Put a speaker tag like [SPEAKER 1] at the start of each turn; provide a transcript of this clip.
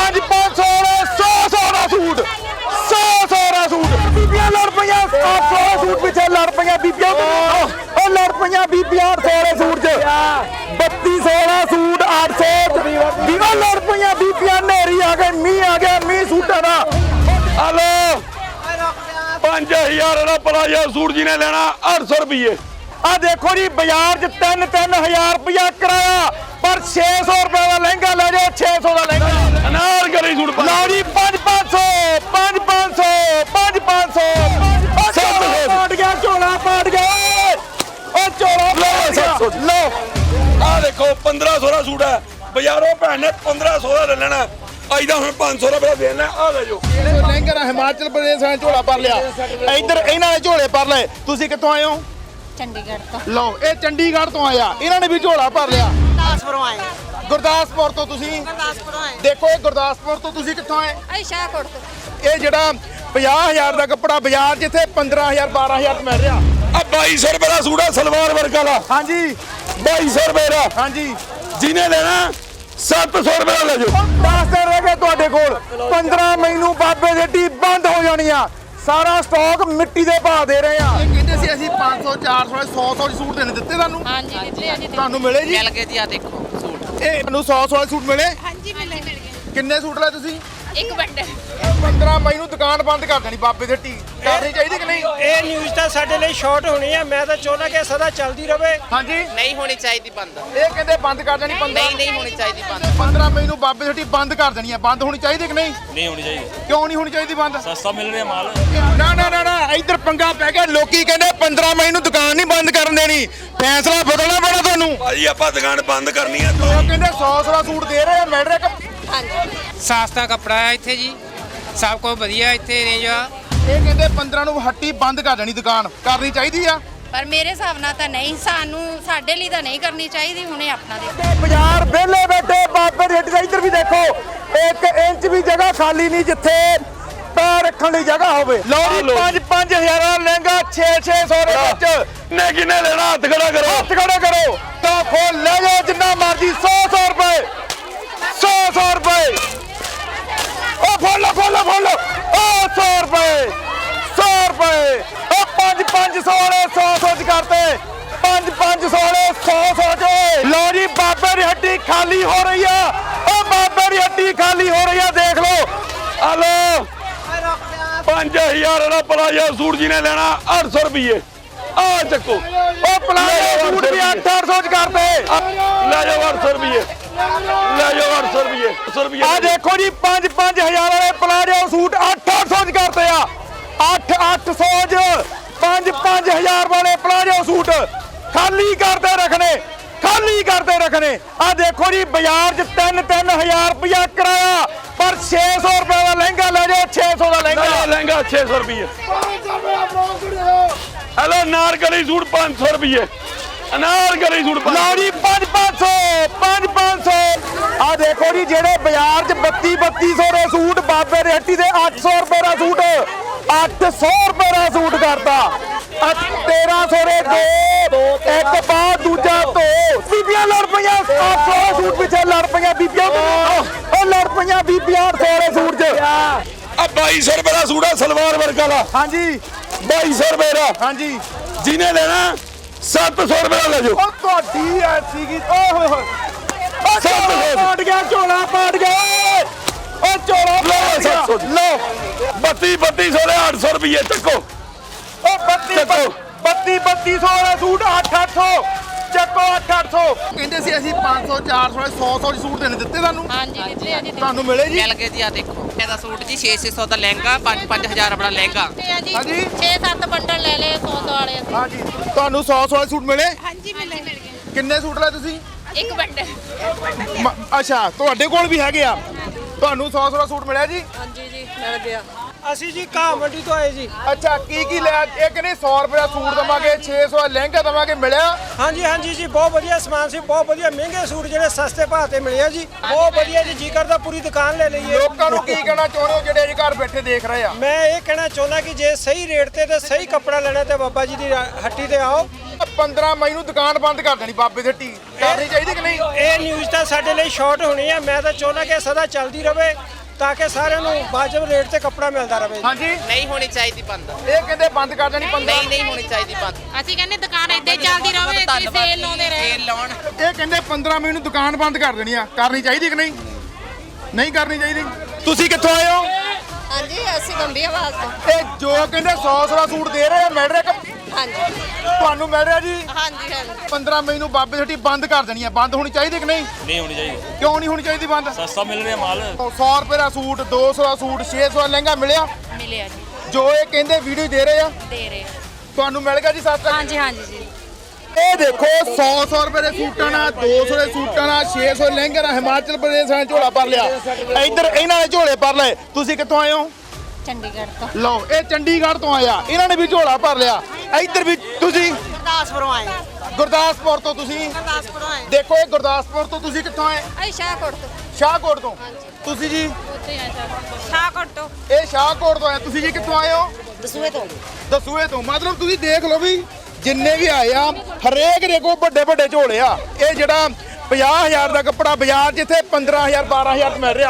[SPEAKER 1] 5 500 100 ਦਾ suit 100 ਦਾ suit ਬੀਬੀਆਂ ਲੜ ਪਈਆਂ 800 ਦਾ ਸੂਟ ਪਿੱਛੇ ਲੜ ਪਈਆਂ ਬੀਬੀਆਂ ਉਹ ਲੜ ਪਈਆਂ ਬੀਬੀਆਂ 800 ਦੇ ਸੂਟ 'ਚ 3200 ਦਾ ਸੂਟ 800 ਵੀਰੋ ਲੜ ਪਈਆਂ ਬੀਬੀਆਂ ਨੇਰੀ ਆ ਗਏ ਮੀਂਹ ਆ ਗਿਆ ਮੀਂਹ ਸੂਟਾਂ ਦਾ ਹਲੋ 5000 ਦਾ ਪਲਾਜੋ ਸੂਟ ਜਿਹਨੇ ਲੈਣਾ 800 ਰੁਪਏ ਆ ਦੇਖੋ ਜੀ ਬਾਜ਼ਾਰ 'ਚ 3-3000 ਰੁਪਇਆ ਕਿਰਾਇਆ ਪਰ 600 ਰੁਪਏ ਦਾ ਲਹਿੰਗਾ ਲੈ ਜਾਓ 600 ਦਾ ਲਹਿੰਗਾ ਅਨਾਰਕਲੀ ਸੂਟ ਲਓ ਜੀ 5-500 5-500 5-500 ਪਾਟ ਗਿਆ ਝੋਲਾ ਪਾਟ ਗਿਆ ਉਹ ਝੋਲਾ ਲਓ ਆ ਦੇਖੋ 1500 ਦਾ ਸੂਟ ਹੈ ਬਾਜ਼ਾਰੋਂ ਭੈਣ ਨੇ 1500 ਦਾ ਲੈ ਲੈਣਾ ਅੱਜ ਦਾ ਹੁਣ 500 ਰੁਪਏ ਦੇਣਾ ਆ ਲੈ ਜੋ
[SPEAKER 2] ਲਹਿੰਗਾ ਨਾ ਹਿਮਾਚਲ ਪ੍ਰਦੇਸ਼ ਨੇ ਝੋਲਾ ਭਰ ਲਿਆ ਇੱਧਰ ਇਹਨਾਂ ਨੇ ਝੋਲੇ ਭਰ ਲਏ ਤੁਸੀਂ ਕਿੱਥੋਂ ਆਏ ਹੋ
[SPEAKER 3] ਚੰਡੀਗੜ੍ਹ ਤੋਂ
[SPEAKER 2] ਲਓ ਇਹ ਚੰਡੀਗੜ੍ਹ ਤੋਂ ਆਇਆ ਇਹਨਾਂ ਨੇ ਵੀ ਝੋਲਾ ਭਰ ਲਿਆ
[SPEAKER 3] ਗੁਰਦਾਸਪੁਰੋਂ ਆਏ
[SPEAKER 2] ਗੁਰਦਾਸਪੁਰ ਤੋਂ ਤੁਸੀਂ
[SPEAKER 3] ਗੁਰਦਾਸਪੁਰੋਂ ਆਏ
[SPEAKER 2] ਦੇਖੋ ਇਹ ਗੁਰਦਾਸਪੁਰ ਤੋਂ ਤੁਸੀਂ ਕਿੱਥੋਂ ਆਏ
[SPEAKER 3] ਅਸੀਂ ਸ਼ਾਹਕੋਟ ਤੋਂ
[SPEAKER 2] ਇਹ ਜਿਹੜਾ 50000 ਦਾ ਕੱਪੜਾ ਬਾਜ਼ਾਰ ਜਿੱਥੇ 15000 12000 ਮਿਲ ਰਿਹਾ
[SPEAKER 1] ਆ 2200 ਰੁਪਏ ਦਾ ਸੂਟ ਹੈ ਸਲਵਾਰ ਵਰਕ ਵਾਲਾ
[SPEAKER 2] ਹਾਂਜੀ
[SPEAKER 1] 2200 ਰੁਪਏ ਦਾ
[SPEAKER 2] ਹਾਂਜੀ
[SPEAKER 1] ਜਿਹਨੇ ਲੈਣਾ 700 ਰੁਪਏ ਦਾ ਲੈ ਜਾਓ
[SPEAKER 2] 10 ਦਿਨ ਰਹਿ ਗਏ ਤੁਹਾਡੇ ਕੋਲ 15 ਮਈ ਨੂੰ ਬਾਬੇ ਦੇ ਟੀ ਬੰਦ ਹੋ ਜਾਣੀ ਆ ਸਾਰਾ ਸਟਾਕ ਮਿੱਟੀ ਦੇ ਭਾਅ ਦੇ ਰਹੇ ਆ ਇਹ ਕਹਿੰਦੇ ਸੀ ਅਸੀਂ 500 400 100 ਸੂਟ ਦੇਣੇ ਦਿੱਤੇ ਤੁਹਾਨੂੰ
[SPEAKER 3] ਹਾਂਜੀ ਦਿੱਤੇ ਜੀ
[SPEAKER 2] ਤੁਹਾਨੂੰ ਮਿਲੇ ਜੀ
[SPEAKER 4] ਮਿਲ ਗਏ ਜੀ ਆ ਦੇਖੋ ਸੂਟ
[SPEAKER 2] ਇਹ ਤੁਹਾਨੂੰ 100 ਸੂਟ ਮਿਲੇ
[SPEAKER 3] ਹਾਂਜੀ ਮਿਲ ਗਏ
[SPEAKER 2] ਕਿੰਨੇ ਸੂਟ ਲਏ ਤੁਸੀਂ
[SPEAKER 3] ਇੱਕ ਬੰਡੇ
[SPEAKER 2] 15 ਮਈ ਨੂੰ ਦੁਕਾਨ ਬੰਦ ਕਰ ਦੇਣੀ ਬਾਬੇ ਦੇ ਟੀ ਕਰਨੀ ਚਾਹੀਦੀ ਕਿ ਨਹੀਂ
[SPEAKER 5] ਇਹ ਨਿਊਜ਼ ਤਾਂ ਸਾਡੇ ਲਈ ਸ਼ਾਰਟ ਹੋਣੀ ਹੈ ਮੈਂ ਤਾਂ ਚਾਹੁੰਦਾ ਕਿ ਸਦਾ ਚੱਲਦੀ ਰਹੇ
[SPEAKER 2] ਹਾਂਜੀ
[SPEAKER 4] ਨਹੀਂ ਹੋਣੀ ਚਾਹੀਦੀ ਬੰਦ
[SPEAKER 2] ਇਹ ਕਹਿੰਦੇ ਬੰਦ ਕਰ ਦੇਣੀ 15
[SPEAKER 4] ਨਹੀਂ ਹੋਣੀ ਚਾਹੀਦੀ ਬੰਦ
[SPEAKER 2] 15 ਮਈ ਨੂੰ ਬਾਬੇ ਦੀ ਹੱਟੀ ਬੰਦ ਕਰ ਦੇਣੀ ਹੈ ਬੰਦ ਹੋਣੀ ਚਾਹੀਦੀ ਕਿ ਨਹੀਂ
[SPEAKER 6] ਨਹੀਂ ਹੋਣੀ ਚਾਹੀਦੀ
[SPEAKER 2] ਕਿਉਂ ਨਹੀਂ ਹੋਣੀ ਚਾਹੀਦੀ ਬੰਦ
[SPEAKER 6] ਸਸਤਾ ਮਿਲ ਰਿਹਾ ਮਾਲ
[SPEAKER 2] ਨਾ ਇੱਧਰ ਪੰਗਾ ਪੈ ਗਿਆ ਲੋਕੀ ਕਹਿੰਦੇ 15 ਮਈ ਨੂੰ ਦੁਕਾਨ ਨਹੀਂ ਬੰਦ ਕਰਨ ਦੇਣੀ ਫੈਸਲਾ ਬਦਲਣਾ ਪੈਣਾ ਤੁਹਾਨੂੰ
[SPEAKER 1] ਭਾਜੀ ਆਪਾਂ ਦੁਕਾਨ ਬੰਦ ਕਰਨੀ ਹੈ
[SPEAKER 2] ਉਹ ਕਹਿੰਦੇ 100 ਦਾ ਸੂਟ ਦੇ ਰਹੇ ਆ ਮਿਲ ਰਿਹਾ ਕਿ
[SPEAKER 7] ਸਸਤਾ ਕੱਪੜਾ ਹੈ ਇੱਥੇ ਜੀ ਸਭ ਕੁਝ ਵਧੀਆ ਇੱਥੇ ਰੇਂਜ ਆ
[SPEAKER 2] ਇਹ ਕਹਿੰਦੇ 15 ਨੂੰ ਹੱਟੀ ਬੰਦ ਕਰ ਦੇਣੀ ਦੁਕਾਨ ਕਰਨੀ ਚਾਹੀਦੀ ਆ
[SPEAKER 3] ਪਰ ਮੇਰੇ ਹਿਸਾਬ ਨਾਲ ਤਾਂ ਨਹੀਂ ਸਾਡੇ ਲਈ ਤਾਂ ਨਹੀਂ ਕਰਨੀ ਚਾਹੀਦੀ ਹੁਣੇ ਆਪਣਾ ਦੇ
[SPEAKER 1] ਬਾਜ਼ਾਰ ਵਿਹਲੇ ਬੈਠੇ ਬਾਬੇ ਦੀ ਹੱਟੀ ਦਾ ਇੱਧਰ ਵੀ ਦੇਖੋ 1 ਇੰਚ ਵੀ ਜਗ੍ਹਾ ਖਾਲੀ ਨਹੀਂ ਜਿੱਥੇ ਪੈਰ ਰੱਖਣ ਲਈ ਜਗ੍ਹਾ ਹੋਵੇ ਲਓ ਜੀ 5-5000 ਦਾ ਲਹਿੰਗਾ 6-600 ਦੇ ਵਿੱਚ ਨੇ ਕਿਨੇ ਲੈਣਾ ਹੱਥ ਖੜਾ ਕਰੋ ਤਾਂ ਖੋਲ ਲੈ ਜਾਓ ਜਿੰਨਾ ਮਰਜ਼ੀ 100 ਰੁਪਏ 100 ਰੁਪਏ ਉਹ ਫੋਲੋ ਉਹ 100 ਰੁਪਏ 100 ਰੁਪਏ ਉਹ 5-500 ਵਾਲੇ 100 ਚ ਕਰਤੇ 5-500 ਵਾਲੇ 100 ਚ ਲਓ ਜੀ ਬਾਬੇ ਦੀ ਹੱਟੀ ਖਾਲੀ ਹੋ ਰਹੀ ਆ ਉਹ ਬਾਬੇ ਦੀ ਹੱਟੀ ਖਾਲੀ ਹੋ ਰਹੀ ਆ ਦੇਖ ਲਓ ਆ ਲਓ 5000 ਦਾ ਪਲਾਜੋ ਸੂਟ ਜਿਹਨੇ ਲੈਣਾ 800 ਰੁਪਏ ਆ ਚੱਕੋ ਉਹ ਪਲਾਜੋ ਸੂਟ ਵੀ 800 ਚ ਕਰਤੇ ਲੈ ਜਾਓ 800 ਰੁਪਏ ਲੈ ਜਾਓ 800 ਰੁਪਏ ਆ ਦੇਖੋ ਜੀ 5-5000 ਵਾਲੇ ਪਲਾਜੋ ਸੂਟ 800 ਚ ਕਰਤੇ ਆ 800 ਚ 5-5000 ਵਾਲੇ ਪਲਾਜੋ ਸੂਟ ਖਾਲੀ ਕਰਦੇ ਰੱਖਣੇ ਆ ਦੇਖੋ ਜੀ ਬਾਜ਼ਾਰ 'ਚ 3-3000 ਰੁਪਇਆ ਕਿਰਾਇਆ ਪਰ 600 ਰੁਪਏ ਦਾ ਲਹਿੰਗਾ ਲੈ ਜਾਓ 600 ਦਾ ਲਹਿੰਗਾ 600 ਰੁਪਏ ਹਲੋ ਨਾਰਕਲੀ ਸੂਟ 500 ਰੁਪਏ ਅਨਾਰਕਲੀ ਸੂਟ ਲਓ ਜੀ 5-500 ਆ ਦੇਖੋ ਜੀ ਜਿਹੜੇ ਬਾਜ਼ਾਰ 'ਚ 3200 ਦੇ ਸੂਟ ਬਾਬੇ ਦੀ ਹੱਟੀ ਦੇ 800 ਰੁਪਏ ਦਾ ਸੂਟ 800 ਰੁਪਏ ਦਾ ਸੂਟ ਕਰਤਾ 1300 ਦੇ ਦੋ ਇੱਕ ਬਾਅਦ ਦੂਜਾ ਧੋ ਬੀਬੀਆਂ ਲੜ ਪਈਆਂ 800 ਦੇ ਸੂਟ ਪਿੱਛੇ ਲੜ ਪਈਆਂ ਬੀਬੀਆਂ ਉਹ ਲੜ ਪਈਆਂ ਬੀਬੀਆਂ 800 ਦੇ ਸੂਟ 'ਚ ਆ 2200 ਰੁਪਏ ਦਾ ਸੂਟ ਆ ਸਲਵਾਰ ਵਰਕ ਵਾਲਾ
[SPEAKER 2] ਹਾਂਜੀ
[SPEAKER 1] 2200 ਰੁਪਏ ਦਾ
[SPEAKER 2] ਹਾਂਜੀ
[SPEAKER 1] ਜਿਹਨੇ ਲੈਣਾ 700 ਰੁਪਏ ਦਾ ਲੈ ਜਾਓ
[SPEAKER 2] ਉਹ ਤੁਹਾਡੀ ਐਸੀ ਕੀ ਓਏ ਹੋਏ ਹੋਏ
[SPEAKER 1] ਪਾਟ ਗਿਆ ਝੋਲਾ ਪਾਟ ਗਿਆ ਉਹ ਝੋਲਾ ਲਓ 3200 ਦੇ 800 ਰੁਪਏ ਚੱਕੋ
[SPEAKER 2] ਉਹ 3200 ਵਾਲਾ ਸੂਟ 800 ਚੱਕੋ 800 ਕਹਿੰਦੇ ਸੀ ਅਸੀਂ 500 400 100 ਸੂਟ ਦੇਣੇ ਦਿੱਤੇ ਤੁਹਾਨੂੰ
[SPEAKER 3] ਹਾਂਜੀ ਦਿੱਤੇ ਜੀ
[SPEAKER 2] ਤੁਹਾਨੂੰ ਮਿਲੇ ਜੀ
[SPEAKER 4] ਮਿਲ ਗਏ ਜੀ ਆ ਦੇਖੋ ਇਹਦਾ ਸੂਟ ਜੀ 6-600 ਦਾ ਲਹਿੰਗਾ 5-5000 ਆਪਣਾ ਲਹਿੰਗਾ
[SPEAKER 2] ਹਾਂਜੀ
[SPEAKER 3] 6-7 ਬੰਡਲ ਲੈ ਲਏ 100 ਵਾਲੇ ਅਸੀਂ
[SPEAKER 2] ਹਾਂਜੀ ਤੁਹਾਨੂੰ 100 ਵਾਲੇ ਸੂਟ ਮਿਲੇ
[SPEAKER 3] ਹਾਂਜੀ ਮਿਲ ਗਏ
[SPEAKER 2] ਕਿੰਨੇ ਸੂਟ ਲਏ ਤੁਸੀਂ
[SPEAKER 3] ਇੱਕ ਬੰਡੇ
[SPEAKER 2] ਅੱਛਾ ਤੁਹਾਡੇ ਕੋਲ ਵੀ ਹੈਗੇ ਆ ਤੁਹਾਨੂੰ 100 ਦਾ ਸੂਟ ਮਿਲਿਆ ਜੀ
[SPEAKER 3] ਹਾਂਜੀ ਜੀ ਮਿਲ ਗਿਆ
[SPEAKER 5] ਅਸੀਂ ਜੀ ਘਾਹ ਮੰਡੀ ਤੋਂ ਆਏ ਜੀ
[SPEAKER 2] ਅੱਛਾ ਕੀ ਲਿਆ ਇਹ ਕਹਿੰਦੇ 100 ਰੁਪਏ ਦਾ ਸੂਟ ਦਵਾਂਗੇ 600 ਦਾ ਲਹਿੰਗਾ ਦਵਾਂਗੇ ਮਿਲਿਆ
[SPEAKER 5] ਹਾਂਜੀ ਜੀ ਬਹੁਤ ਵਧੀਆ ਸਮਾਨ ਸੀ ਬਹੁਤ ਵਧੀਆ ਮਹਿੰਗੇ ਸੂਟ ਜਿਹੜੇ ਸਸਤੇ ਭਾਅ ਤੇ ਮਿਲੇ ਆ ਜੀ ਬਹੁਤ ਵਧੀਆ ਜੀ ਕਰਦਾ ਪੂਰੀ ਦੁਕਾਨ ਲੈ ਲਈਏ
[SPEAKER 2] ਲੋਕਾਂ ਨੂੰ ਕੀ ਕਹਿਣਾ ਚਾਹੁੰਦੇ ਹੋ ਜਿਹੜੇ ਘਰ ਬੈਠੇ ਦੇਖ ਰਹੇ ਆ
[SPEAKER 5] ਮੈਂ ਇਹ ਕਹਿਣਾ ਚਾਹੁੰਦਾ ਕਿ ਜੇ ਸਹੀ ਰੇਟ ਤੇ ਸਹੀ ਕੱਪੜਾ ਲੈਣਾ ਤੇ ਬਾਬਾ ਜੀ ਦੀ ਹੱਟੀ ਤੇ ਆਓ
[SPEAKER 2] 15 ਮਈ ਨੂੰ ਦੁਕਾਨ ਬੰਦ ਕਰ ਦੇਣੀ ਬਾਬੇ ਦੀ ਹੱਟੀ ਕਰਨੀ ਚਾਹੀਦੀ ਕਿ ਨਹੀਂ
[SPEAKER 5] ਇਹ ਨਿਊਜ਼ ਤਾਂ ਸਾਡੇ ਲਈ ਸ਼ਾਰਟ ਹੋਣੀ ਹੈ ਮੈਂ ਤਾਂ ਚਾਹੁੰਦਾ ਕਿ ਸਦਾ ਚੱਲਦੀ ਰਹੇ ਤਾਂ ਕਿ ਸਾਰਿਆਂ ਨੂੰ ਵਾਜਬ ਰੇਟ ਤੇ ਕੱਪੜਾ ਮਿਲਦਾ ਰਹੇ।
[SPEAKER 2] ਹਾਂਜੀ
[SPEAKER 4] ਨਹੀਂ ਹੋਣੀ ਚਾਹੀਦੀ ਬੰਦ।
[SPEAKER 2] ਇਹ ਕਹਿੰਦੇ ਬੰਦ ਕਰ ਦੇਣੀ 15
[SPEAKER 4] ਨਹੀਂ ਹੋਣੀ ਚਾਹੀਦੀ ਬੰਦ।
[SPEAKER 3] ਅਸੀਂ ਕਹਿੰਦੇ ਦੁਕਾਨ ਏਦਾਂ ਹੀ ਚੱਲਦੀ ਰਹੇ ਤੇ ਸੇਲ ਲਾਉਂਦੇ ਰਹੇ।
[SPEAKER 4] ਸੇਲ ਲਾਉਣ।
[SPEAKER 2] ਇਹ ਕਹਿੰਦੇ 15 ਮਈ ਨੂੰ ਦੁਕਾਨ ਬੰਦ ਕਰ ਦੇਣੀ ਆ। ਕਰਨੀ ਚਾਹੀਦੀ ਕਿ ਨਹੀਂ? ਨਹੀਂ ਕਰਨੀ ਚਾਹੀਦੀ। ਤੁਸੀਂ ਕਿੱਥੋਂ ਆਏ ਹੋ?
[SPEAKER 3] ਹਾਂਜੀ ਅਸੀਂ ਗੰਭੀਰ ਆਵਾਜ਼ ਤੋਂ।
[SPEAKER 2] ਇਹ ਜੋ ਕਹਿੰਦੇ 100 ਸੂਟ ਦੇ ਰਹੇ ਆ ਮਿਲ ਰਿਹਾ ਕਿ
[SPEAKER 3] ਹਾਂਜੀ
[SPEAKER 2] ਤੁਹਾਨੂੰ ਮਿਲ ਰਿਹਾ ਜੀ?
[SPEAKER 3] ਹਾਂਜੀ ਹਾਂਜੀ
[SPEAKER 2] 15 ਮਈ ਨੂੰ ਬਾਬੇ ਛੱਟੀ ਬੰਦ ਕਰ ਦੇਣੀ ਆ। ਬੰਦ ਹੋਣੀ ਚਾਹੀਦੀ ਕਿ ਨਹੀਂ?
[SPEAKER 6] ਨਹੀਂ ਹੋਣੀ ਚਾਹੀਦੀ।
[SPEAKER 2] ਕਿਉਂ ਨਹੀਂ ਹੋਣੀ ਚਾਹੀਦੀ ਬੰਦ?
[SPEAKER 6] ਸਸਤਾ ਮਿਲ ਰਿਹਾ ਮਾਲ।
[SPEAKER 2] 100 ਰੁਪਏ ਦਾ ਸੂਟ, 200 ਦਾ ਸੂਟ, 600 ਦਾ ਲਹਿੰਗਾ ਮਿਲਿਆ?
[SPEAKER 3] ਮਿਲਿਆ ਜੀ
[SPEAKER 2] ਜੋ ਇਹ ਕਹਿੰਦੇ ਵੀਡੀਓ ਦੇ ਰਹੇ ਆ
[SPEAKER 3] ਦੇ ਰਹੇ।
[SPEAKER 2] ਤੁਹਾਨੂੰ ਮਿਲ ਗਿਆ ਜੀ ਸਸਤਾ?
[SPEAKER 3] ਹਾਂਜੀ ਹਾਂਜੀ ਜੀ
[SPEAKER 2] ਇਹ ਦੇਖੋ 100 ਰੁਪਏ ਦੇ ਸੂਟਾਂ ਨਾਲ, 200 ਦੇ ਸੂਟਾਂ ਨਾਲ, 600 ਲਹਿੰਗੇ ਨਾਲ ਹਿਮਾਚਲ ਪ੍ਰਦੇਸ਼ ਨੇ ਝੋਲਾ ਭਰ ਲਿਆ। ਇੱਧਰ ਇਹਨਾਂ ਨੇ ਝੋਲੇ ਭਰ ਲਏ। ਤੁਸੀਂ ਕਿੱਥੋਂ ਆਏ ਹੋ?
[SPEAKER 3] ਚੰਡੀਗੜ੍ਹ ਤੋਂ।
[SPEAKER 2] ਲਓ ਇਹ ਚੰਡੀਗੜ੍ਹ ਤੋਂ ਆਇਆ। ਇਹਨਾਂ ਨੇ ਵੀ ਝੋਲਾ ਭਰ ਲਿਆ। ਇੱਧਰ ਵੀ ਤੁਸੀਂ
[SPEAKER 3] ਗੁਰਦਾਸਪੁਰੋਂ ਆਏ।
[SPEAKER 2] ਗੁਰਦਾਸਪੁਰ ਤੋਂ ਤੁਸੀਂ
[SPEAKER 3] ਗੁਰਦਾਸਪੁਰੋਂ ਆਏ।
[SPEAKER 2] ਦੇਖੋ ਇਹ ਗੁਰਦਾਸਪੁਰ ਤੋਂ ਤੁਸੀਂ ਕਿੱਥੋਂ ਆਏ?
[SPEAKER 3] ਅਸੀਂ ਸ਼ਾਹਕੋਟ ਤੋਂ।
[SPEAKER 2] ਸ਼ਾਹਕੋਟ ਤੋਂ। ਤੁਸੀਂ ਜੀ?
[SPEAKER 3] ਉੱਥੇ ਆ ਸ਼ਾਹਕੋਟ ਤੋਂ।
[SPEAKER 2] ਇਹ ਸ਼ਾਹਕੋਟ ਤੋਂ ਆਏ। ਤੁਸੀਂ ਜੀ ਕਿੱਥੋਂ ਆਏ ਹੋ?
[SPEAKER 3] ਦਸੂਏ ਤੋਂ।
[SPEAKER 2] ਦਸੂਏ ਤੋਂ। ਮਤਲਬ ਤੁਸੀਂ ਦੇਖ ਲਓ ਵੀ ਜਿੰਨੇ ਵੀ ਆਏ ਆ ਹਰੇਕ ਦੇ ਕੋਲ ਵੱਡੇ ਵੱਡੇ ਝੋਲੇ ਆ। ਇਹ ਜਿਹੜਾ 50,000 ਦਾ ਕੱਪੜਾ ਬਾਜ਼ਾਰ ਜਿੱਥੇ 15,000 12,000 ਚ ਮਿਲ ਰਿਹਾ